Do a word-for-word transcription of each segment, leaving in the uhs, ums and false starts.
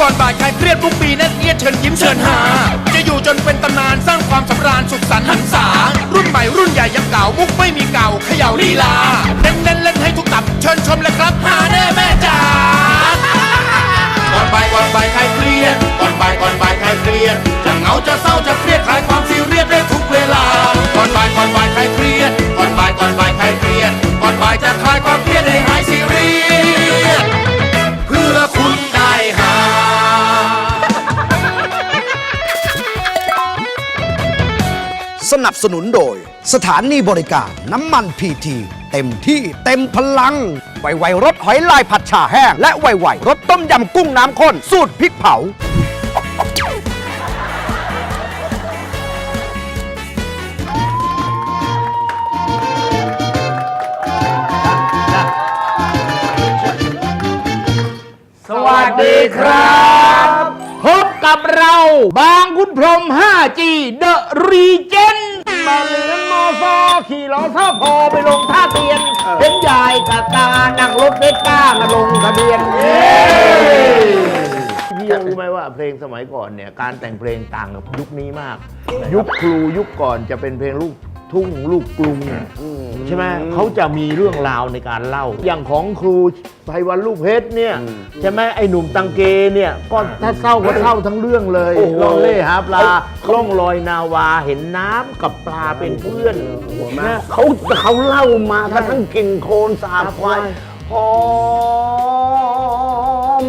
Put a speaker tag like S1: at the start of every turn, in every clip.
S1: ก่อนบ่ายคลายเครียดทุกปีแน่นเอียดเชิญยิ้มเชิญหาจะอยู่จนเป็นตำนานสร้างความสำราญสุขสันต์หันษารุ่นใหม่รุ่นใหญ่ยังเก่ามุกไม่มีเก่าเขย่าลีลาเน้นเน้นเล่นให้ทุกตับเชิญชมเลยครับหาแน่แม่จ๋าก่อนบ่ายก่อนบ่ายคลายเครียดก่อนบ่ายก่อนบ่ายคลายเครียดจะเหงาจะเศร้าจะเครียดคลายความซีเรียสได้ทุกเวลาก่อนบ่ายก่อนบ่ายคลายเครียดก่อนบ่ายก่อนบ่ายคลายเครียดก่อนบ่ายจะคลายความเครียดให้หายซีเรียสเพื่อคุณได้หา
S2: สนับสนุนโดยสถานีบริการน้ำมันพีทีเต็มที่เต็มพลังไวไวรสหอยลายผัดฉ่าแห้งและไวไวรสต้มยำกุ้งน้ำข้นสูตรพริกเผา
S3: สวัสดีครับพบกับเราบางคุณพรหม ห้าจี The Regent มาเรียนมอซอขี่ล้อท่าพอไปลงท่าเตียนเห็นยายกับตานั่งรถเวสป้ามาลงทะเบียนพี่ยังรู้ไหมว่าเพลงสมัยก่อนเนี่ยการแต่งเพลงต่างกับยุคนี้มากยุคครูยุคก่อนจะเป็นเพลงลูกทุ่งลูกกรุงใช่ไหมเขาจะมีเรื่องราวในการเล่าอย่างของครูไพวันลูกเพชรเนี่ยใช่ไหมไอ้หนุ่มตังเกเนี่ยก็ถ้าเศร้าก็เศร้าทั้งเรื่องเลยล่องเล่หาปลาล่องลอยนาวาเห็นน้ำกับปลาเป็นเพื่อนนะเขาเขาเล่ามาทั้งกิ่งโคลนสาบควายหอม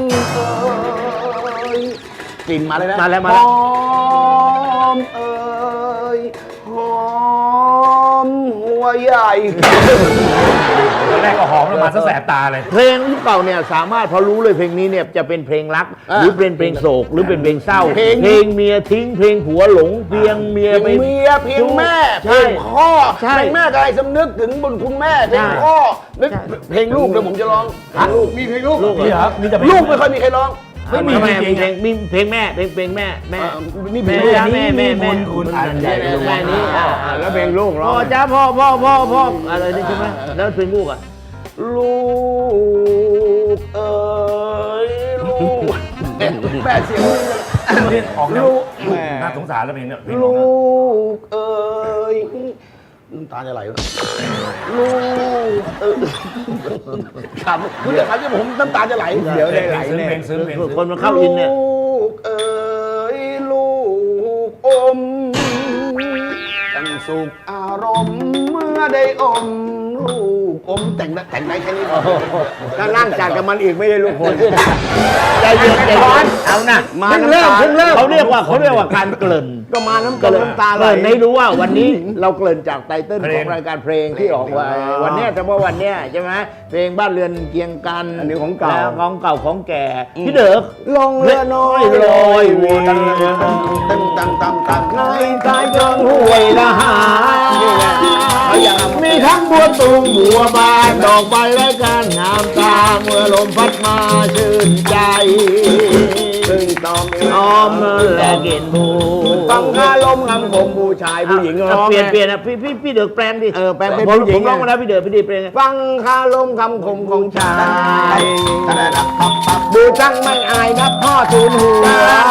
S3: กลิ่นมาเลยนะมาแล้วมาแล้วหอมเอ่ยหอมหัวใหญ่
S4: ตอนแรกก็หอมแล้วมาซะแสบตาเลย
S3: เพลงยุคเก่าเนี่ยสามารถพอรู้เลยเพลงนี้เนี่ยจะเป็นเพลงรักหรือเป็นเพลงโศกหรือเป็นเพลงเศร้าเพลงเมียทิ้งเพลงผัวหลงเพียงเมียไป
S5: เมียเพียงแม่เพลงพ่อเพลงแม่อะไรสำนึกถึงบุญคุณแม่เพลงพ่อเพลงลูกเดี๋ยวผมจะร้องลูกมีเพลงลูก
S4: นี่ครับมีแต่
S5: ลูกไม่ค่อยมีใครร้อง
S3: ไม่มีเพลงเพลงมีเพลงแม่เพลงเพลงแม่แม่
S5: นี่
S3: แม่แม่แม่แม่
S4: คุณอ่านใหญ่
S3: แม่นี้
S5: แล้วเพลงลูกร้อง
S3: พ่อจ้าพ่อพ่อพ่อพ่ออะไรนี่ใช่ไหมแล้วเพลงลูกอ่ะ
S5: ลูกเอ๋ยลูกแม่เสียง
S4: นี่ออกลูกน่าสงสารแล้วเพลงเนี่ย
S5: ลูกเอ๋ยน้ำตาจะไหลวะลูกเออครับคุณจะทำให้ผมน้ำตาจะไหล
S4: เดี๋ยวได้ไหลเพลงซึ้งเพลงซึ้ง
S3: คนมันเข้าอินเนี่ย
S5: ลูกเอ๋ยลูกอมตั้งสุขอารมณ์เมื่อได้อมลูกอมแต่งแต่งได้แค่นี้
S3: ถ้านั่งจากกับมันอีกไม่ได้ลูกคนใจเย็นใจเย็นเอานะมาเริ่มเริ่มเขาเรียกว่าเขาเรียกว่าการเกริ่น
S5: ก็มาน้ำตาน้ำตาไหล
S3: ให้รู้ว่าวันนี้เราเกริ่นจากไตเติ้ลของรายการเพลงที่ออกไว้วันนี้เฉพาะวันนี้ใช่ไหมเพลงบ้านเรือนเคียงกัน
S5: อันนี้ของเก่า
S3: ของเก่าของแก่พี่เด็ก
S5: ลงเรือน้อย
S3: ลอยวน
S5: ตั้งตั้งตั้งตั้ง
S3: ในกายจงห่วยละหามีทั้งบัวตูมบัวบานดอกใบและการงามตาเมื่อลมพัดมาชื่นใจ
S5: ซึ่งตอม
S3: น้อมและเกินบู
S5: ฟังคาลมงำผมผู้ชายผู้หญิงร้อง
S3: เปลี่ยนเปลี่ยนนะพี่พี่พี่เด็กแปลงดิ
S5: เออแปลงเป็นผู้หญิง
S3: ผมร้องมาแล้วพี่เด็กพี่เด็กแปลง
S5: ฟังคาลมคำคมของชายดูช่างไม่อายนับพ่อทูลหัว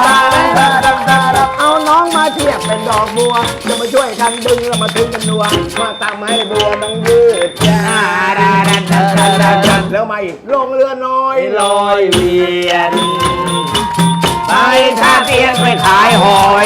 S5: เอาน้องมาเทียบเป็นดอกบัวจะมาช่วยกันดึงแล้วมาถึงกันนัวมาตามให้บัวมันยืดยาวแล้วมาอีกลงเรือน้อย
S3: ลอยเวียนไปท่าเตียนไปขายหอย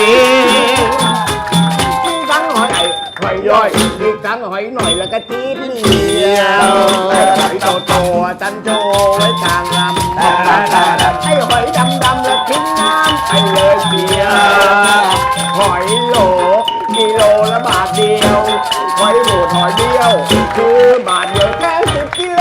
S5: ทั้งหอยหอยย่อยอีกทั้งหอยหน่อยแล้วก็จี๊ดเดียวหอยโตโตจันโจไว้กลางลำไอ้หอยดำดำแล้วทิ้งน้ำไปเลยเดียวหอยโหลกิโลละบาทเดียวหอยโหลหอยเดียวคือบาทเดียวแค่สิบกิโล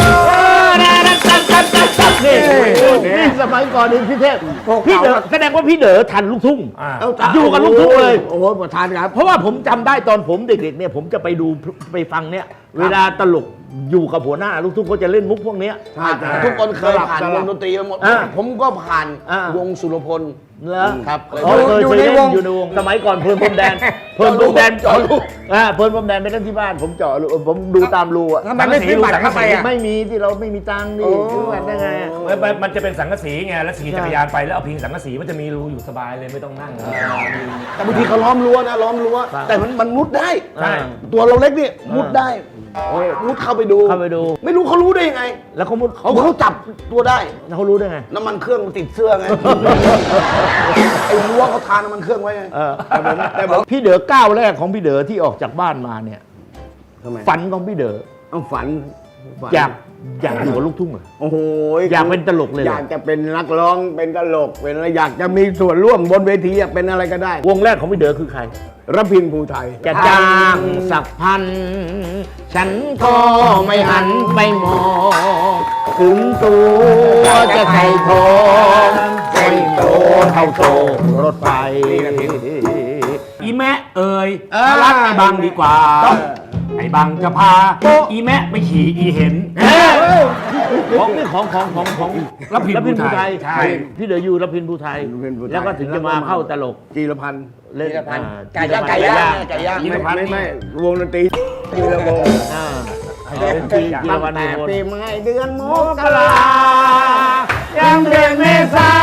S3: นี่สมัยก่อนนี่พี่เทพพี่เด๋อแสดงว่าพี่เด๋อทันลูกทุ่งอยู่กับลูกทุ่งเลย
S5: โอ้โหทันครับ
S3: เพราะว่าผมจำได้ตอนผมเด็กๆเนี่ยผมจะไปดูไปฟังเนี่ยเวลาตลกอยู่กับหัวหน้าลูกทุ่งเขาจะเล่นมุกพวกนี้
S5: ทุกคนเคยผ่านวงดนตรีมาหมดผมก็ผ่านวงสุรพล
S3: เหรอ
S5: ครับ
S3: อ๋อเคย
S5: อยู่
S3: เคย
S5: ใน
S3: เล่น
S5: วง
S3: อยู่ในวงสมัยก่อนเพลินพรมแดนเพลินพรมแดนเจาะรูอ่าเพลินพรมแดนไปเล่นที่บ้านผมเจาะรูผมดูตามรูอ่ะ
S5: ทำไมไม่ซื้อบัตรเข้าไปอ่ะ
S3: ไม่มีที่เราไม่มีตังค์นี่ซื้อบัตรได้ไงอะ
S4: มันมันมันจะเป็นสังกะสีไงแล้วขี่จักรยานไปแล้วเอาพิงสังกะสีมันจะมีรูอยู่สบายเลยไม่ต้องนั่ง
S5: แต่บางทีเขาล้อมรั้วนะล้อมรั้ว
S3: ครับ
S5: แต่มันมันมุดได้
S4: ใช่
S5: ตัวเราเล็กนี่มุดได้โอ้ยมุดเข้าไปดู
S3: เข้าไปดู
S5: ไม่รู้เขารู้ได้ยังไง
S3: แล้วเขามุด
S5: เขาเขาจับตัวได้
S3: แล้วเขารู้ได้ไง
S5: น้ำมันเครื่องมันติดเสื้อไง ไอ้รั้วเขาทาน้ำมันเครื่องไว้ไง
S3: เออ
S5: แต่ผมแต่ผม
S3: พี่เด๋อก้าวแรกของพี่เด๋อที่ออกจากบ้านมาเนี่ย
S5: ทำไม
S3: ฝันของพี่เด๋อ
S5: เอาฝันฝัน
S3: อยากอยากอยู่กับลูกทุ่งเหรอ
S5: โอ้โห
S3: อยากเป็นตลกเลยเหรอ
S5: อยากจะเป็นนักร้องเป็นตลกเป็นอะไรอยากจะมีส่วนร่วมบนเวทีอะเป็นอะไรก็ได้
S3: วงแรกของพี่เด๋อคือใคร
S5: รพินภูไทย
S3: จะจ้างสักพัน ฉันก็ไม่หันไปมองถึงตัวจะใส่ทองใส่โตเท่าโตรถไฟ
S4: อีแม่เอ่ย
S5: เออ
S4: มารักไอ้บังดีกว่า ไอ้บังจะพาอีแม่ไปขี่อีเห็น
S3: ของนี่ของของของของ
S4: รพินภูไทย
S3: ใช่พี่เด๋ออยู่รพินภูไทย
S5: รพินภูไทย
S3: แล้วก็ถึงจะมาเข้าตลก
S5: จีรพันธ์
S3: เล่น
S5: จีรพันธ์
S3: อ่
S5: ไก่ย่างไก่ย่างไก่ย่าง
S4: จีร
S5: ไม่
S4: พันธ์
S5: ไม่ไม่วงดนตรีจีรวงศ์
S3: อ่าเป็นปีกีรวัน
S5: แต่
S3: โน
S5: ปีใหม่เดือนมก
S3: ก
S5: รา
S3: ลายังเดือนเมษา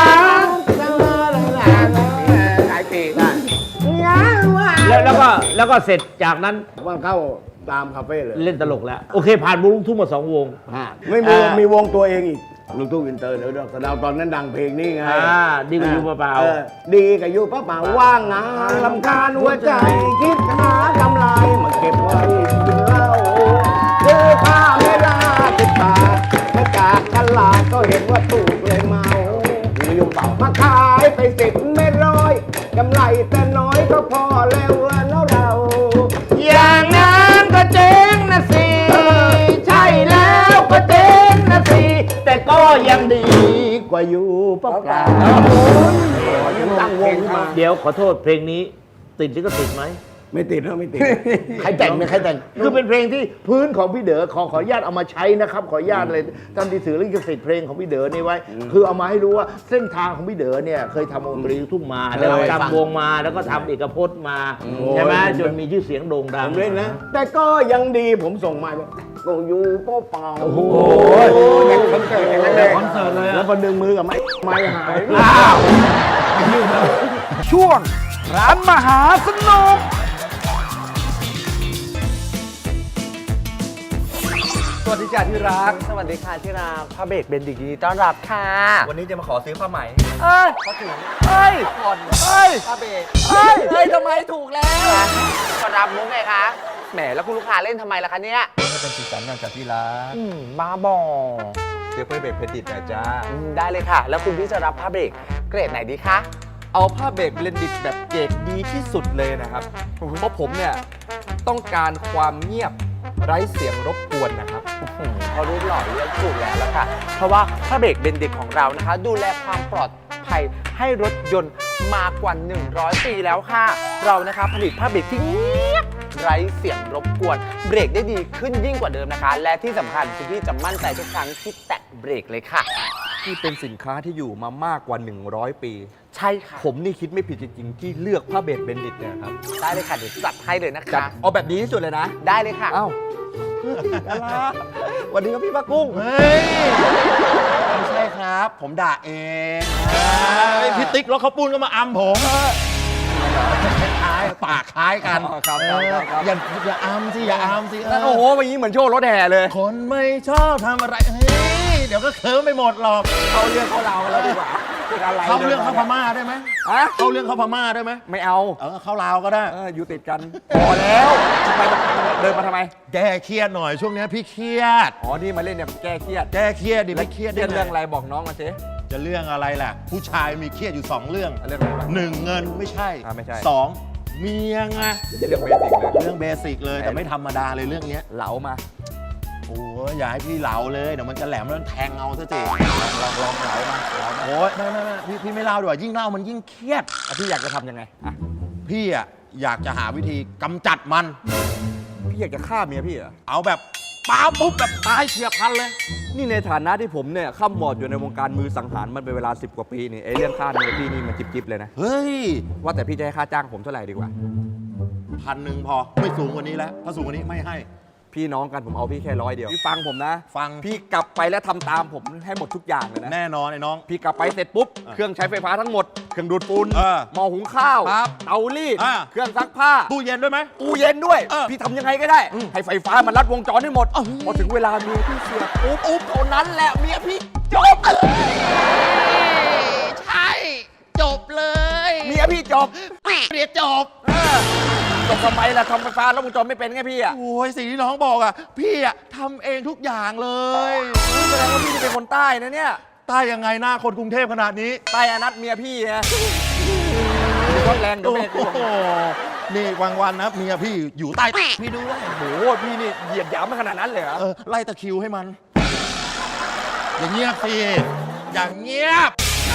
S5: หลายปีได้ยังว่า
S3: แล้วแล้วก็แล้วก็เสร็จจากนั้น
S5: ว่าเข้าตามคาเฟ่เลย
S3: เล่นตลกแล้ว โอเค ผ่านวงลูกทุ่งมาสองวง
S5: ไม่มี
S3: อ่ามี
S5: มีวงตัวเองอีกลูกทุ่งอินเตอร์เดี๋ยวดอกสะเดาวตอนนั้นดังเพลงนี้ไง
S3: อ่าดีกว่าอยู่เปล่าๆ
S5: ออดีกับอยู่เปล่าๆว่างงานลำคาญหัวใจ คิดหากำไรมาเก็บไว้กินเหล้าซื้อผ้าเวลาติดตามาจากตลาดก็เห็นว่าถูกเลยเมาดีอยู่เปล่ามาขายไปสิบไม่ร้อยกำไรแต่น้อยก็พอแล้วแล้วเรา
S3: อย่างนั้นก็เจ๊งนะสิ ใช่แล้วก็เจ๊งนะสิ แต่ก็ยังดีกว่าอยู่เปล่าๆ
S5: ยังตั้งวงขึ้นมา
S3: เดี๋ยวขอโทษเพลงนี้ ติดลิขสิทธิ์ไหม
S5: ไม่ติดนะไม่ติด
S3: ใครแต่งเนี่ยใครแต่ง คือเป็นเพลงที่พื้นของพี่เด๋อขอขออนุญาตเอามาใช้นะครับ ขออนุญาตเลยทำดีสื่อลิขสิทธิ์เพลงของพี่เด๋อนี่ไว้ คือเอามาให้รู้ว่าเส้นทางของพี่เด๋อเนี่ยเคยทำวงดนตรีลูกทุ่งมา แล้วก็ทำวงมาแล้วก็ทำเอกพจน์มาใช่ไหมจนมีชื่อเสียงโด่งดั
S5: ผ
S3: ง
S5: มเล่นนะ แต่ก็ยังดีผมส่งมาแบบก็อยู่เปล่าเปล่าโอ้โหยังคอนเสิร์ตอย่างนั้นเลย
S4: คอนเสิร์ตเลยอะ
S5: แล้วก็ดึงมือกับไม้ไม้หาย
S3: อ้าว
S2: ช่วงร้านมหาสนุก
S6: สวัสดีจ้าที่รัก
S7: สวัสดีค่ะที่รักพระเบรกเบนดิกยินดีต้อนรับค่ะ
S6: วันนี้จะมาขอซื้อผ้าไหม
S7: เอ้ย
S6: ผ้าถุง
S7: เอ้ย
S6: ผ่อน
S7: เอ้ย
S6: ผ้าเบรก
S7: เอ้ยเอ้ยทำไมถูกแล้วก็รับมุกไงคะแหมแล้วคุณลูกค้าเล่นทำไมล่ะคะเนี่ย
S6: ให้เป็นสีสันงานจากที่รัก
S7: อืมบ้าบอ
S6: เดี๋ยวเพื่อเบรกเพดิตนะจ้า
S7: อืมได้เลยค่ะ แล้วคุณพี่จะรับผ้าเบรกเกรดไหนดีคะ
S6: เอาผ้าเบรกเบลนดิตแบบเกรดดีที่สุดเลยนะครับ เพราะผมเนี่ยต้องการความเงียบไร้เสียงรบกวนนะครับ
S7: อืมพอรูปหล่อเลือกถูกแล้วละค่ะ เพราะว่าผ้าเบรกเบนดิกของเรานะคะ ดูแลความปลอดภัยให้รถยนต์มากกว่า หนึ่งร้อย ปีแล้วค่ะ เรานะคะผลิตผ้าเบรกที่เงียบไร้เสียงรบกวน เบรกได้ดีขึ้นยิ่งกว่าเดิมนะคะ และที่สำคัญคุณพี่จะมั่นใจทุกครั้งที่แตะเบรกเลยค่ะ
S6: ที่เป็นสินค้าที่อยู่มามากกว่า หนึ่งร้อย ปี
S7: ใช่ค่ะ
S6: ผมนี่คิดไม่ผิดจริงๆ ที่เลือกผ้าเบรกเบนดิตเนี่ยครับ
S7: ได้เลยค่ะเดี๋ยวจัดให้เลยนะ
S6: จัด
S7: คะ
S6: เอาแบบดีที่สุดเลยนะ
S7: ได้เลยค่ะ
S6: เอ้าอะไรวันนี้ก็พี่ป้ากุ้ง
S1: เฮ้ย ไม่ใช่ครับ ผมด่าเองพี่ติ๊กรถเขาปูนก็มาอำผมคล้ายๆปากคล้ายกัน
S6: ครับครับครับครับ
S1: อย่าอย่าอำสิอย่าอำสิเ
S6: โอ้โหวันนี้เหมือนโชว์รถแห่เลย
S1: คนไม่ชอบทำอะไรเฮ้ยเดี๋ยวก็เคิร์มไปหมดหรอก
S6: เขาเรื่องเขาเราแล้วดีกว่า
S1: เข้าเรื่องเข้าพม่าได้ไหม
S6: ฮะ
S1: เข้าเรื่องเข้าพม่าได้ไหม
S6: ไม่เอา
S1: เออเข้าลาวก็ได้
S6: เอออยู่ติดกัน พอแล้วทำไมเดินมาทำไม
S1: แก้เครียดหน่อยช่วงนี้พี่เครียด
S6: อ๋อ นี่มาเล่นเนี่ยแก้เครียด
S1: แก้เครียดดิไม่เครียด
S6: เรื่อง
S1: ได้ไ
S6: เรื่องอะไรบอกน้องมาสิ
S1: จะเรื่องอะไรล่ะ ผู้ชายมีเครียดอยู่สองเรื่อง
S6: เรื่องอะไรบ้าง
S1: หนึ่งเงินไม่ใช่
S6: อ่าไม่ใช่
S1: สองเมียไง
S6: เรื่องเบสิกเลย
S1: เรื่องเบสิกเลยแต่ไม่ธรรมดาเลยเรื่องเนี้ย
S6: เหลามา
S1: โอ้ยอย่าให้พี่เหลาเลยเดี๋ยวมันจะแหลมแล้วมันแทงเอาซะสิ
S6: ลองลองเหลามาเหลามา
S1: โอ้ยไม่ไม่ไม่พี่พี่ไม่เล่าดีกว่ายิ่งเล่ามันยิ่งเครียด
S6: อ่ะพี่อยากจะทำยังไงอ่ะ
S1: พี่อ่ะอยากจะหาวิธีกำจัดมัน
S6: พี่อยากจะฆ่าเมียพี่เหรอ
S1: เอาแบบ
S5: ป้าปุ๊บแบบตายเฉียบพลันเลย
S6: นี่ในฐานะที่ผมเนี่ยข้ามวอดอยู่ในวงการมือสังหารมันเป็นเวลาสิบกว่าปีนี่ไอ้เรื่องค่าเนื้อพี่นี่มันจิบๆเลยนะ
S5: เฮ้ย
S6: ว่าแต่พี่จะให้ค่าจ้างผมเท่าไหร่ดีกว่า
S5: พันหนึ่งพอไม่สูงกว่านี้แล้ว ถ้าสูงกว่านี้ไม่ให้
S6: พี่น้องกันผมเอาพี่แค่ร้อยเดียวพี่ฟังผมนะ
S5: ฟัง
S6: พี่กลับไปแล้วทำตามผมให้หมดทุกอย่างเลยนะ
S5: แน่นอนไอ้น้อง
S6: พี่กลับไปเสร็จปุ๊บ
S5: อ่ะ
S6: เครื่องใช้ไฟฟ้าทั้งหมด เครื่องดูดฝุ่น
S5: เออ
S6: หม้อหุงข้าว
S5: ครับ
S6: เตารีด
S5: อ่ะ
S6: เครื่องซักผ้า
S5: ตู้เย็นด้วยไหม
S6: ตู้เย็นด้วย
S5: เออ
S6: พี่ทำยังไงก็ได้ ให้ไฟฟ้ามันรัดวงจรให้หมด พอถึงเวลาเมียพี่เสียบปุ๊บปุ๊บเท่านั้นแหละเมียพี่จบ
S8: ใช่ จบเลย
S6: เมียพี่จบ
S8: เรียนจบ
S6: เออจบทำไมล่ะทำไฟฟ้ารัดวงจรไม่เป็นไงพี่อ่ะ
S5: โอ้ยสิ่งที่น้องบอกอ่ะ พี่อ่ะทำเองทุกอย่างเลย
S6: แสดงว่าพี่นี่เป็นคนใต้นะเนี่ย
S5: ใต้ยังไงหน้าคนกรุงเทพขนาดนี้
S6: ใต้อนัทเมียพี่ไงร้อนแรงเดี๋ยว
S5: โอ้
S6: แม่กลัว
S5: โหนี่วันวันๆนะเมียพี่อยู่ใต้พี่ด้วย
S6: โอ้โหพี่นี่เหยียบหยามมาขนาดนั้นเลยเหรอ
S5: เออไล่ตะคริวให้มัน อย่างเงียบสิอย่างเงียบ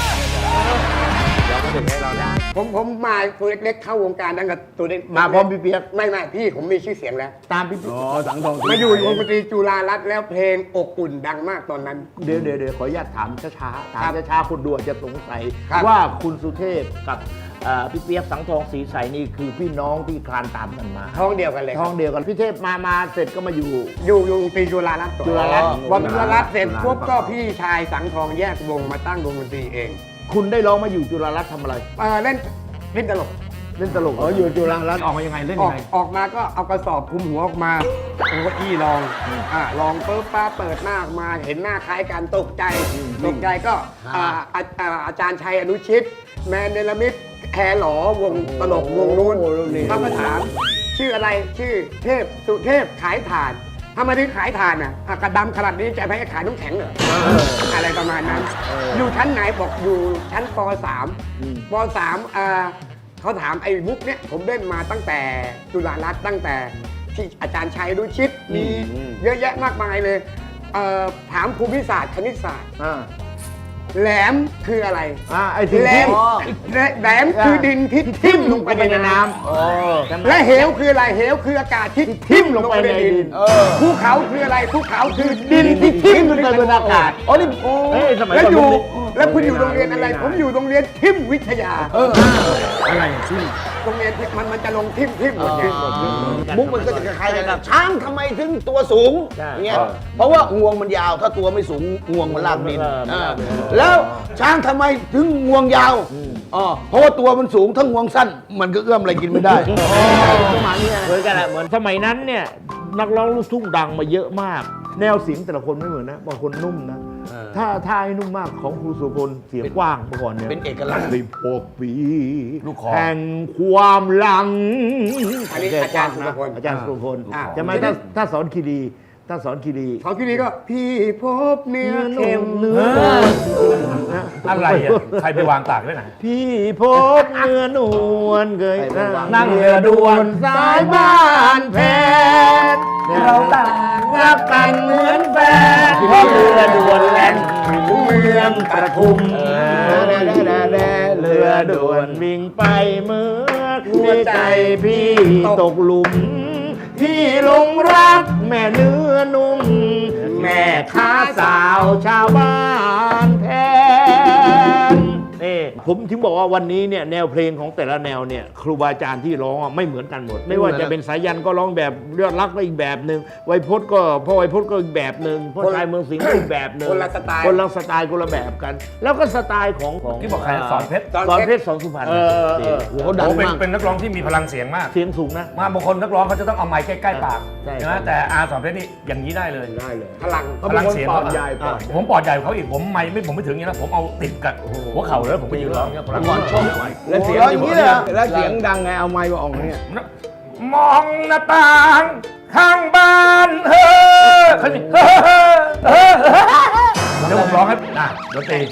S9: ผมผมมาตัวเล็กๆเข้าวงการตั้งแต่ตัวเล็ก
S3: มาพร้อมพี่เปียก
S9: ไม่ไม่พี่ผมมีชื่อเสียงแล้ว
S3: ตามพี่เปียกอ๋อสังทอง
S9: มาอยู่วงดนตรีจุฬารัตน์แล้วเพลงอบอุ่นดังมากตอนนั้น
S3: เดี๋ยวเดี๋ยวเดี๋ยวขออนุญาตถามช้าๆถามช้าๆคนดูอาจจะสงสัย
S9: ครับ
S3: ว่าคุณสุเทพกับเอ่อพี่เปียกสังทองศรีใสนี่คือพี่น้องที่คลานตามกันมา
S9: ท้องเดียวกันเลย
S3: ท้องเดียวกันพี่เทพมามาเสร็จก็มาอยู่
S9: อยู่อยู่วงดนตรีจุฬารัตน์ก่อน
S3: จุฬารัตน์
S9: พอจุฬารัตน์เสร็จปุ๊บก็พี่ชายสังทองแยกวงมาตั้งวงดนตรีเอง
S3: คุณได้ร้องมาอยู่จุฬารัตน์ทำอะไร
S9: เออเล่นเล่นตลก
S3: เล่นตลกอ๋ออยู่จุฬารัตน์
S4: ออกมายังไงเล่น
S9: อ
S4: ยั
S9: อก
S4: งไง
S9: ออกมาก็เอากระสอบคลุมหัวออกมาเอาเก้าอี้ลองอ่าลองปุ๊บป้าเปิดหน้าออกมาเห็นหน้าคล้ายกันตกใจตกใจก็อ่าอาอ่าอาจารย์ชัยอนุชิต แมนเนลมิตแคร์หลอวงตลกวงนู้นเขามาถามชื่ออะไรชื่อเทพสุเทพขายถ่านทำไมถึงขายถ่านอ่ะอ่ะกระดำขนาดนี้จะไปให้ขายน้ำแข็งเหรออะไรประมาณนั้น อยู่ชั้นไหนบอกอยู่ชั้นป .สาม ป .สาม อ่าเขาถามไอ้บุ๊กเนี่ยผมเล่นมาตั้งแต่จุฬารัตน์ตั้งแต่ที่อาจารย์ชัยรุชิตมีเยอะแยะมากมายเลยเอ่อถามภูมิศาสตร์คณิตศาสตร์
S3: อ่า
S9: แหลมคืออะไร
S3: อ่าไอ้ที่
S9: แหลมแหลมคือดินที่ทิ่มลงไปในน้ำและเหวคืออะไรเหวคืออากาศที่ทิ่มลงไปในดินภูเขาคืออะไรภูเขาคือดินที่ทิ่มลงไปบนอากาศ
S3: อ๋อนี่เฮ้ยสมัย
S9: แล้ว
S3: ก่อน
S9: อยู่
S3: ผม
S9: แล้วคุณอยู่โรงเรียนอะไร ผมอยู่โรงเรียนทิ่มวิทยา
S3: อะไรที่
S9: โรงเรียนที่มันมันจะลงทิ่มทิ่มหมดไง
S2: มุกมันก็จะคล้ายๆกันนะช้างทำไมถึงตัวสูงอย่างเงี้ยเพราะว่างวงมันยาวถ้าตัวไม่สูงงวงมันลากดินอ่าแล้วช้างทำไมถึงงวงยาวอ๋อเพราะว่าตัวมันสูงถ้างวงสั้น มันก็เอื้อมอะไรกินไม่ได้ประมาณนี้
S3: เหมือนกันแหละเหมือนสมัยนั้นเนี่ยนักร้องลูกทุ่งดังมาเยอะมาก แนวเสียงแต่ละคนไม่เหมือนนะบางคนนุ่มนะ ถ้าถ้าให้นุ่มมากของครูสุพลเสียงกว้างเมื่อก่อนเนี่ย
S2: เป็นเอกลักษณ์
S3: สิบหกปี
S4: ลูกคอ
S3: แห่งความหลัง
S9: อันนี้อาจารย์สุรพล
S3: อาจารย์สุรพล
S9: อ่า
S3: ใช่ไหมถ้าถ้าสอนคีรีถ้าสอนคีรี
S9: เขาที่นี้ก็พี่พบเนื้อเค็ม
S3: เนื้อ
S4: อะไรอ่ะ ใครไปวางตากไว้ไหน
S3: พี่พบเนื้อนวลเคย
S4: นั่งเรือด่วน
S3: สายบ้านแพนเราต่างรักกันเหมือนแฟนเพราะเรือด่วนแล่นถึงเมืองปทุมเรือด่วนวิ่งไปเมื่อหัวใจพี่ตกหลุม พี่หลงรักแม่เนื้อนุ่ม แม่ค้าสาวชาวบ้านแทนนี่ผมถึงบอกว่าวันนี้เนี่ยแนวเพลงของแต่ละแนวเนี่ยครูบาอาจารย์ที่ร้องอ่ะไม่เหมือนกันหมด ไม่ว่าจะเป็นสายันก็ร้องแบบเลือดรักก็อีกแบบหนึ่งไวยพจน์ก็พ่อไวยพจน์ก็อีกแบบหนึ่งพ่อชายเมืองสิงห์ก็อีกแบบหนึ่ง
S9: คนละสไตล์
S3: คนละสไตล์คนละแบบกัน แล้วก็สไตล์ของของ
S4: ที่บอกใครสอนเพชร
S3: สอนเพชรสอนสุพรรณ
S2: เออเออโหดัง
S4: โอ้เป็น
S2: มาก
S4: เป็นนักร้องที่มีพลังเสียงมาก
S3: เสียงสูงนะ
S4: มาบางคนนักร้องเขาจะต้องเอาไมค์ใกล้ๆปาก
S3: ใช่
S4: นะแต่อาสอนเพชรนี่อย่างนี้ได้เลย
S3: ได้เลย
S9: พลัง
S4: พลังเสียงเขาอ่ะผมปอดใหญ่กว่าเขาอีกผมไม่ไม่ผมไม่ถึงอย่างนี้นะผมเอาติดกับหัวเข่าเลยผมไปยืนร้องเนี่ยพลังก่อนชอบ
S3: แล้วเสียงอย่างนี้เลยแล้วเสียงดังไงเอาไมค์มาออกเนี่ย
S4: มองหน้าต่างข้างบ้านเฮ้อเขาสิเฮ้อเฮ้อเฮ้อเดี๋ยวผมร้องให้อ่ะดนตรี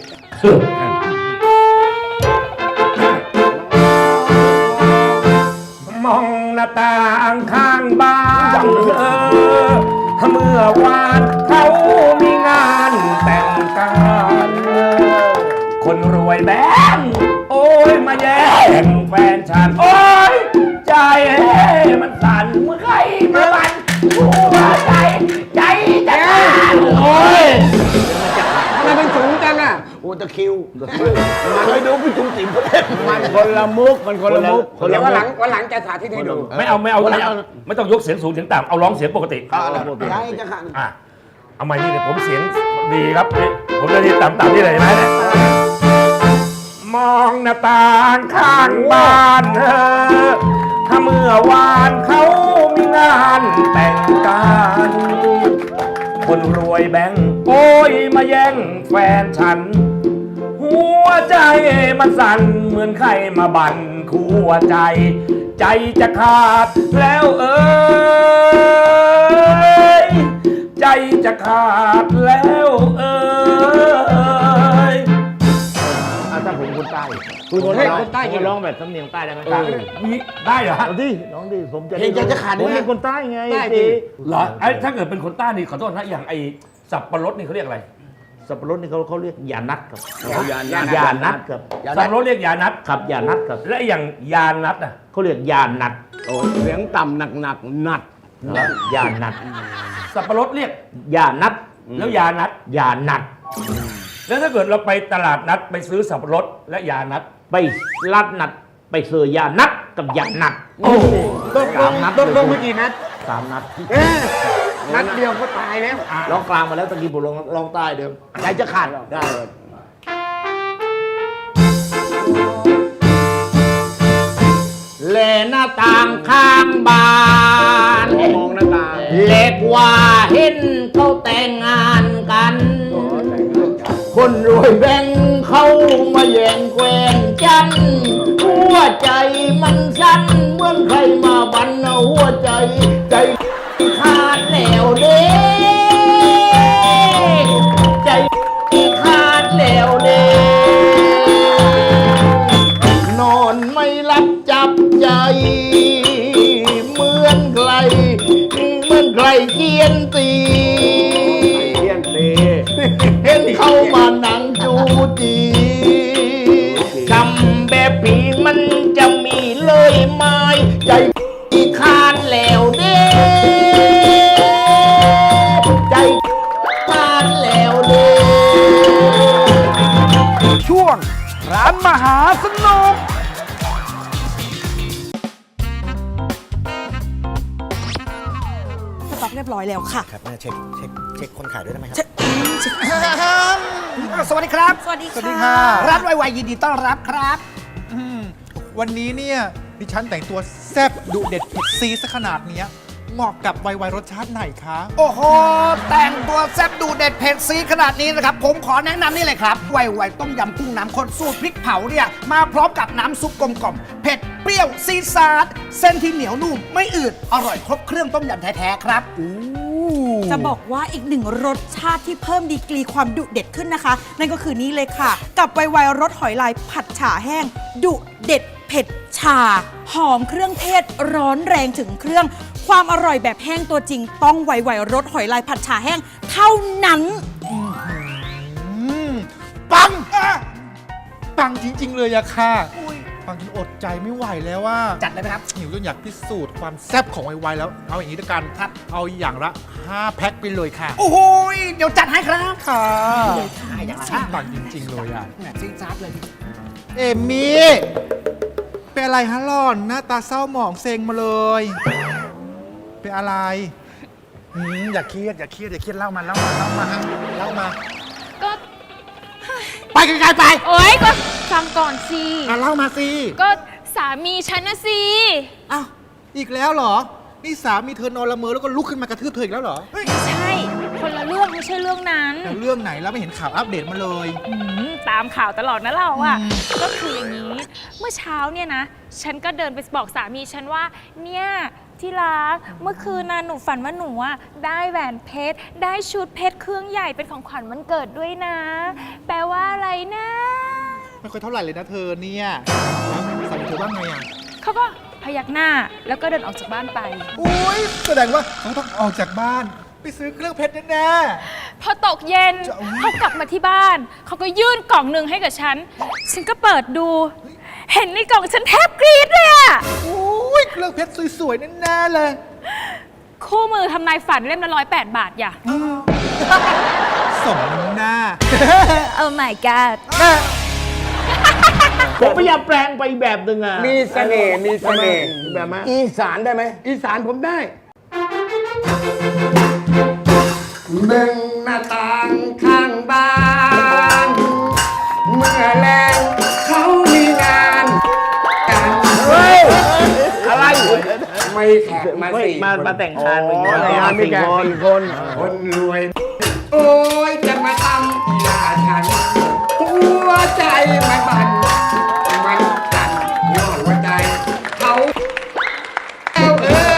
S4: มองหน้าต่างข้างบ้านเออเมื่อวานเขามีงานแต่งกันคนรวยแบงโอ้ยมาแย่งแฟนฉันโอ้ยใจมันสั่นเมื่อใครมาบันหัวใจใจ
S5: ตะคริว
S3: เคยดูพี่จุ๋มจิ๋มเขาเล่น
S5: มันคนละมุกมันคนละมุก
S9: เดี๋ยววันหลังวันหลังจะสาธิตให้ดู
S4: ไม่เอาไม่เอาไม่เอาไม่ต้องยกเสียงสูงเสียงต่ำเอาร้องเสียงปกติ
S5: ยายจะขัน
S4: อ่ะเอาใหม่นี่เนี่ยผมเสียงดีครับนี่ผมจะดีต่ำๆนี่เลยเห็นไหมเนี่ยมองหน้าต่างข้างบ้านเธอถ้าเมื่อวานเขามีงานแต่งกันคนรวยแบงค์โอ้ยมาแย่งแฟนฉัน หัวใจมันสั่นเหมือนใครมาบั่นคัวใจ ใจจะขาดแล้วเอ้ยใจจะขาดแล้วเอ้ย
S3: ถ้าผมคนใต้
S9: คุณคนใต้
S3: คุณร้องแบบสำเนียงใต้ได้ไหม
S4: มีได้เหรอฮะ
S3: เอาดิน้องดิผมจะ
S5: เพลงจะขัน
S3: ผมเป็นคนใต้ไง
S9: ใต้
S3: จี
S9: ดิ
S4: เหรอไอ้ถ้าเกิดเป็นคนใต้นี่ขอโทษนะอย่างไอ้สับปะรดนี่เขาเรียกอะไร
S3: สับปะรดนี่เขาเขาเรียกยานัดครับ
S5: ยานัด
S3: ยานัดครับ
S4: สับปะรดเรียกยานัด
S3: ครับยานัดครับ
S4: และอย่างยานัดอ่ะ
S3: เขาเรียกยานัด
S5: โอ้ยเสียงต่ำหนักหนักๆหนัด
S3: ยานัด
S4: สับปะรดเรียก
S3: ยานัด
S4: แล้วยานัด
S3: ยานัด
S4: แล้วถ้าเกิดเราไปตลาดนัดไปซื้อสับปะรดและยานัด
S3: ไปลัดนัดไปเสือยานัดกับยานัด
S4: โอ้โห
S9: ตกลงตกลงเมื่อกี้นัด
S3: สามนัด
S9: เอ๊ะนัดเดียวก็ตายแล้ว
S3: ร้องกลางมาแล้วตะกี้ผมร้องร้องใต้เดิมใจจะขาดได้เลย แลหน้าต่างข้างบ้าน
S5: มองหน้าตาง
S3: เล็กว่าเห็นเขาแต่งงานกัน คนรวยแบ่งเขามาแย่งแควนจันหัวใจมันสั่นเหมือนใครมาบันเอาหัวใจ ใจขาดแล้วเด้ใจขาดแล้วเด้นอนไม่หลับจับใจเหมือนใครเหมือนใครเกียนตี
S5: เทียนตี
S3: เห็นเขามานั่งจูจีทำแบบผีมันจะมีเลยไหมใจขาดแล้วเด้ใจขาดแล้วเด้
S2: ช่วงร้านมหาสนุก
S10: สต็อกเรียบร้อยแล้วค่ะ
S2: ครับเช็คเช็คเช็คคนขายด้วยได้ไหมครับ
S10: เช็คเช็ค
S2: สวัสดีครับ
S10: สวัสดี
S11: สวัสดี
S10: ค่ะ
S11: ค่ะ
S2: ร้านไวๆยินดีต้อนรับครับ
S11: อืมวันนี้เนี่ยดิฉันแต่งตัวแซ่บดุเด็ดเผ็ดซีซะขนาดเนี้ยเหมาะกับไวๆรสชาติไหนคะ
S2: โอ้โห แต่งตัวแซ่บดูเด็ดเผ็ดซีขนาดนี้นะครับ ผมขอแนะนำนี่เลยครับ ไวๆต้มยำกุ้งน้ำข้นสูตรพริกเผาเนี่ย มาพร้อมกับน้ำซุปกลมกล่อมเผ็ดเปรี้ยวซีดซาดเส้นที่เหนียวนุ่มไม่อืด อร่อยครบเครื่องต้มยำแท้ๆครับอู้
S10: จะบอกว่าอีกหนึ่งรสชาติที่เพิ่มดีกรีความดุเด็ดขึ้นนะคะ นั่นก็คือนี้เลยค่ะ กับไวๆรสหอยลายผัดฉ่าแห้ง ดุเด็ดเผ็ดชา หอมเครื่องเทศร้อนแรงถึงเครื่อง ความอร่อยแบบแห้งตัวจริง ต้องไวๆรสหอยลายผัดฉ่าแห้ง เท่านั้น
S11: อืมปังอ่ะปังจริง ๆ เลยอะค่ะปังจนอดใจไม่ไหวแล้วว่า
S2: จัดเลยไหมครับ
S11: หิวจนอยากพิสูจน์ความแซ่บของไวๆแล้ว เอาอย่างนี้ด้วยกันครับเอาอย่างละห้าแพ็คไปเลยค่ะ
S2: โอ้โหเดี๋ยวจัดให้ครับ
S11: ค่ะ
S2: ขายอย่างละ
S11: ชื่อปังจริง ๆ เลยอ่ะ
S2: แหมซีดซาดเลย
S11: เอมี่เป็นอะไรฮะหล่อนหน้าตาเศร้าหมองเซ็งมาเลย เป็นอะไรอืมอย่าเครียดอย่าเครียดอย่าเครียดเล่ามาเล่ามาเล่ามาฮะเล่ามา
S8: ก็
S2: ไปไกลๆไป
S8: โอ๊ย ก็ฟังก่อนสิ
S11: อ่ะเล่ามาสิ
S8: ก็สามีฉันนะสิ
S10: อ้าว
S11: อีกแล้วเหรอ นี่สามีเธอนอนละเมอแล้วก็ลุกขึ้นมากระทืบเธออีกแล้วเหรอ
S8: ไม่ใช่ คนละเรื่องไม่ใช่เรื่องนั้น
S11: แล้วเรื่องไหนแล้วไม่เห็นข่าวอัปเดตมาเลย
S8: อืมตามข่าวตลอดนะเราอะก็คืออย่างนี้ เมื่อเช้าเนี่ยนะ ฉันก็เดินไปบอกสามีฉันว่า เนี่ยที่รักเมื่อคืนนะหนูฝันว่าหนูอะได้แหวนเพชร ได้ชุดเพชรเครื่องใหญ่เป็นของขวัญวันเกิดด้วยนะ แปลว่าอะไรนะ
S11: ไม่ค่อยเท่าไหร่เลยนะเธอเนี่ยแล้วสามีเธอว่าไงอ่ะ
S8: เขาก็พยักหน้าแล้วก็เดินออกจากบ้านไป
S11: อุ้ยแสดงว่าเขาต้องออกจากบ้าน ไปซื้อเครื่องเพชรแน่
S8: พอตกเย็น
S11: จะอุ๊ย
S8: เขากลับมาที่บ้าน เขาก็ยื่นกล่องหนึ่งให้กับฉัน ฉันก็เปิดดู เห็นในกล่องฉันแทบกรี๊ดเลยอะ
S11: ๆอุ้ยเครื่องเพชรสวยๆแน่ๆเลย
S8: คู่มือทำนายฝันเล่มละร้อยแปดบาทอย่า
S11: สสมน้ำหน้า
S8: โอ้ my god
S3: ผมพยายามแปลงไปแบบหนึ่งอ่ะ
S5: มีเสน่ห์มีเสน่ห์
S3: แบบไหม
S5: อีสานได้ไหมอีสานผมได้เบิ่งหน้าต่างข้างบ้าน เมื่อแรงเขามีงานกัน
S3: เฮ้ยอะไร
S5: ไม่แขกมา
S3: ไม่
S5: สี่
S3: มามาแต่งงาน
S5: อ๋อ
S3: แต่งงาน
S5: มี
S3: สี่
S5: แขก
S3: คน
S5: สี่คน คนรวย โอ้ยจะมาทำอีลาฉัน หัวใจมันบันมันสั่นย้อนหัวใจเขาเอาเอ้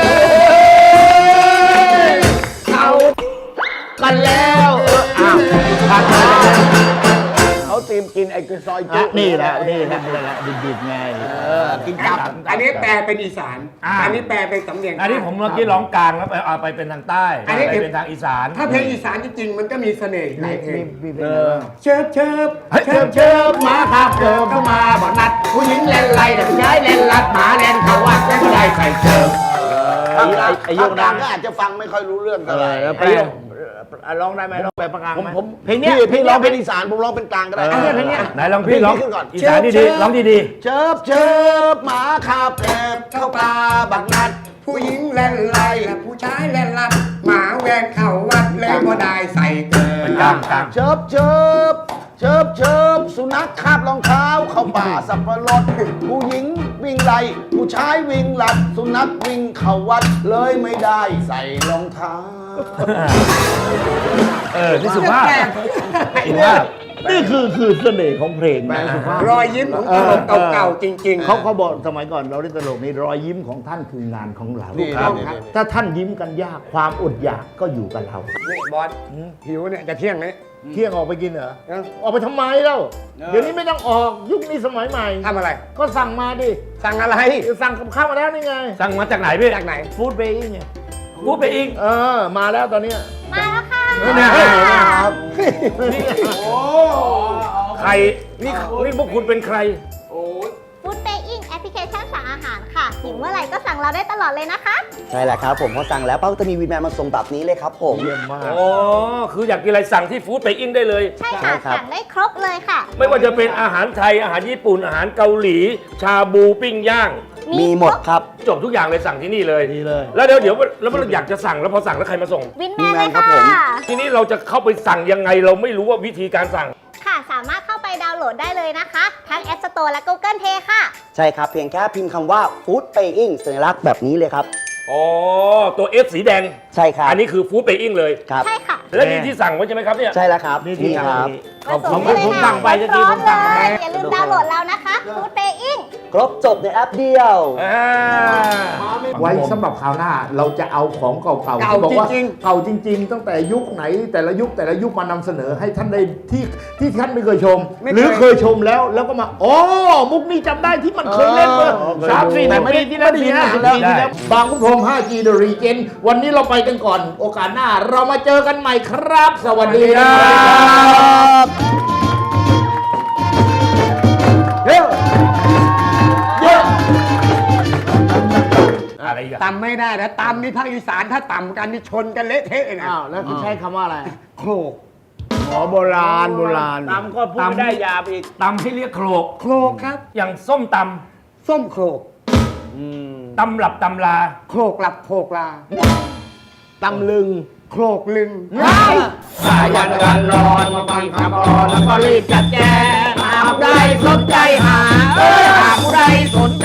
S5: ยเขากันแล้วเอออ้าวกันแล้วเขาเตรียมกินไอ้กระซอยจุ
S3: นี่แหละนี่แหละนี่แหละดิบๆไง
S5: กินกับอันนี้แปลเป็นอีสาน
S4: อ่า
S5: อันนี้แปลเป็นสำเนียง
S4: อันนี้ผมเมื่อกี้ร้องกลางแล้วไปเอาไปเป็นทางใต้
S5: อันนี้
S4: ไปเป็นทางอีสาน
S5: ถ้าเพลงอีสานจริงๆมันก็มีเสน่ห์หลายเพลง
S3: เออ
S5: เชิบเชิบเชิบเชิบหมาขับเกิบเข้ามาบ่นัด ผู้หญิงเล่นไรแต่ผู้ชายเล่นลัดหมาเล่นเขาวัดไม่ได้ใส่เชิบ
S3: ไอ้ไอ้ไอ้โย
S2: ภาค
S3: ก
S2: กลา
S3: ดั
S2: ง
S3: ง
S2: ก็อาจจะฟังไม่ค่อยรู้เรื่องเท่าไหร่
S3: แล้วไปร้องได้ไหมร้องแบบประกาง
S2: ผม
S3: ไหม
S2: ผม
S3: เพลงเนี้ย
S2: พี่พี่ร้องเป็นอีสานผมร้องเป็นกลางก็ได้
S3: อันเนี้ยเพลงเนี้ย
S4: ไหนลองพี่ร้อง
S2: ขึ้นก่อน
S4: อีสานดีๆร้องดี
S2: เชิบเชิบหมาขับแอบเข้าป่าบักนัด
S5: ผู้หญิงเล่นไรและผู้ชายเล่นลัดหมาแวนเข้าวัดเลยบ่ได้ใส่เกิน
S4: ๆกลางกลาง
S2: เชิบเชิบเชิบเชิบสุนัขคาบรองเท้าเข้าป่าสับปะรดผู้หญิงวิ่งไล่ผู้ชายวิ่งหลัด สุนัขวิ่งเข้าวัดเลยไม่ได้ใส่รองเท้า
S4: เออนี่สุภาพสุภาพ
S3: นี่คือคือเสน่ห์ของเพลงนะ
S5: รอยยิ้มของตลกเก่าๆจริงๆ
S3: เขาเขาบอกสมัยก่อนเราเล่นตลกนี่รอยยิ้มของท่านคืองานของเรา
S2: นี่
S3: ครับ
S2: นี่นี่
S3: ถ้าท่านยิ้มกันยากความอดอยากก็อยู่กับเรา
S5: นี่บอสหิวเนี่ยจะเที่ยงนี้
S3: เที่ยงออกไปกินเหรอ
S5: เอ้า
S3: ออกไปทำไมเล่าเดี๋ยวนี้ไม่ต้องออกยุคนี้สมัยใหม่
S5: ทำอะไร
S3: ก็สั่งมาดิ
S5: สั่งอะไร
S3: สั่งกับข้าวมาแล้วนี่ไง
S4: สั่งมาจากไหนพี่
S5: จากไหน
S3: ฟู้ดเบย์ไง
S4: พูดไปอีก
S3: เออมาแล้วตอนเนี้ย
S8: มาแล้วค่ะ
S4: เนี่ย
S3: ครับ
S4: ใครนี่นี่พวกคุณเป็นใคร
S12: ฟู้ดเ a ย์อิงแอปพลิเคชันสั่งอาหารค่ะหิวเมื่อไหร่ก็สั่งเราได้ตลอดเลยนะคะ
S2: ใช่แหละครับผมพอสั่งแล้วป้าจะมีวีแมนมาส่งแบบนี้เลยครับผม
S3: เยี่ยมมาก
S4: อ๋อ คืออยากกินอะไรสั่งที่ฟู้ดไปอินได้เลย
S12: ใช่
S2: ใช่
S12: ค่ะ
S2: ครับ
S12: สั่งได้ครบเลยค่ะ
S4: ไม่ว่าจะเป็นอาหารไทย อาหารญี่ปุ่น อาหารเกาหลี ชาบูปิ้งย่าง
S2: มีหมดครับ
S4: จบทุกอย่างเลยสั่งที่นี่เลย
S3: ดีเลย
S4: แล้วเดี๋ยวเดี๋ยวแล้วเราอยากจะสั่งแล้วพอสั่งแล้วใครมาส่ง
S12: วินแมน
S2: วินแม
S12: เล
S2: น
S12: ย
S2: ครับ
S12: ค่ะ
S2: ผม
S4: ทีนี้เราจะเข้าไปสั่งยังไงเราไม่รู้ว่าวิธีการสั่ง
S12: ค่ะ สามารถเข้าไปดาวน์โหลดได้เลยนะคะ ทั้ง App Store และ Google Play ค่ะ
S2: ใช่ครับ เพียงแค่พิมพ์คำว่า Food Paying สัญลักษณ์แบบนี้เลยครับ
S4: อ๋อ ตัว F สีแดง
S2: ใช่ครับ
S4: อันนี้คือฟู้ดไปอิงเลย
S2: ครับ
S12: ใช่ค่ะ
S4: และนี่ที่สั่งไว้ใช่ไหมครับเนี่ย
S2: ใช่แล้วครับ
S3: นี่ที่
S2: ครับ
S3: ขอบ
S12: มา
S3: คุณ
S12: ส่ง
S3: ผม
S12: ได้เลย
S3: สั่งไปจะกิน
S12: ค่ะร้
S3: ผ
S12: อน
S3: ม
S12: ๆเล
S3: สั่งไป
S12: ยอย่าลืมดาวน์โหลดแล้วนะคะ Food Paying
S2: ครบจบในแอปเดียว
S4: อ่า
S3: ไว้สำหรับคราวหน้าเราจะเอาของเก่าๆ
S5: เก่า
S3: ที่บอกว่า
S5: จริง
S3: เก่าจริง ๆ ตั้งแต่ยุคไหนแต่ละยุคแต่ละยุคมานำเสนอให้ท่านได้ที่ที่ท่านไม่เคยชม หรือเคยชมแล้วแล้วก็มาอ๋อมุกนี้จำได้ที่มันเคยเล่นเมื่อสามสี่ปีที่แล้วสี่ห้าปีที่แล้วบางขุนพรหม ห้าจี The Regent วันนี้เราไปกันก่อน โอกาสหน้าเรามาเจอกันใหม่ครับ สวัสดีครับเฮ้ยเยอะ
S4: อะไรอีกอะ
S5: ตำไม่ได้นะตำนี่ภาคอีสานถ้าตำกันนี่ชนกันเละเทะเลยนะ
S3: อ้าวแล้วคุณใช้คำว่าอะไร
S5: โครก
S3: หมอโบราณโบราณตำก็พูดไม่ได้ยาบอีก
S4: ตำให้เรียกโครก
S5: โครกครับ
S4: อย่างส้มต
S5: ส้มโครก
S4: ำตำหลับตำลา
S5: โครกหลับโครกลา
S3: ตำลึง
S5: โครกลึง
S4: สายันกันรอนมาฟังคำรอนแล้วก็รีบจัดแจงหากผู้ใดสนใจหาเอ้ยหากผู้ใดสน